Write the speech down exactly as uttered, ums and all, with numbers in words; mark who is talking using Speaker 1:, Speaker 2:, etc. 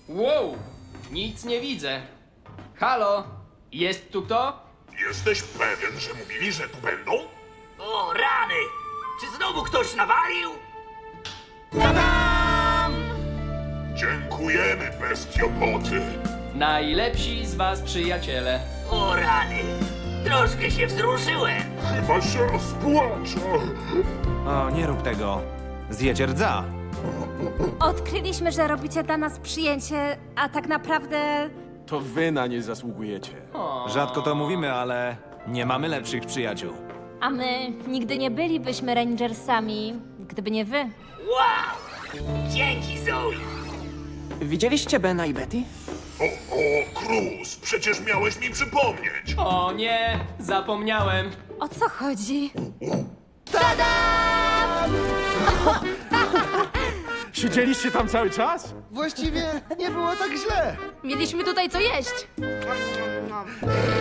Speaker 1: Wow, nic nie widzę. Halo, jest tu kto?
Speaker 2: Jesteś pewien, że mówili, że tu będą?
Speaker 3: O, rany! Czy znowu ktoś nawalił?
Speaker 2: Dziękujemy, bestiopoty.
Speaker 1: Najlepsi z was przyjaciele.
Speaker 3: O, rany! Troszkę się wzruszyłem.
Speaker 2: Chyba się rozpłaczę.
Speaker 4: O, nie rób tego. Zjecie rdza.
Speaker 5: Odkryliśmy, że robicie dla nas przyjęcie, a tak naprawdę...
Speaker 6: To wy na nie zasługujecie.
Speaker 4: Rzadko to mówimy, ale nie mamy lepszych przyjaciół.
Speaker 5: A my nigdy nie bylibyśmy Rangersami, gdyby nie wy.
Speaker 3: Wow! Dzięki, Zoe!
Speaker 7: Widzieliście Bena i Betty?
Speaker 2: O, o, Cruz, przecież miałeś mi przypomnieć.
Speaker 1: O nie, zapomniałem.
Speaker 5: O co chodzi?
Speaker 6: Siedzieliście tam cały czas?
Speaker 8: Właściwie nie było tak źle.
Speaker 5: Mieliśmy tutaj co jeść.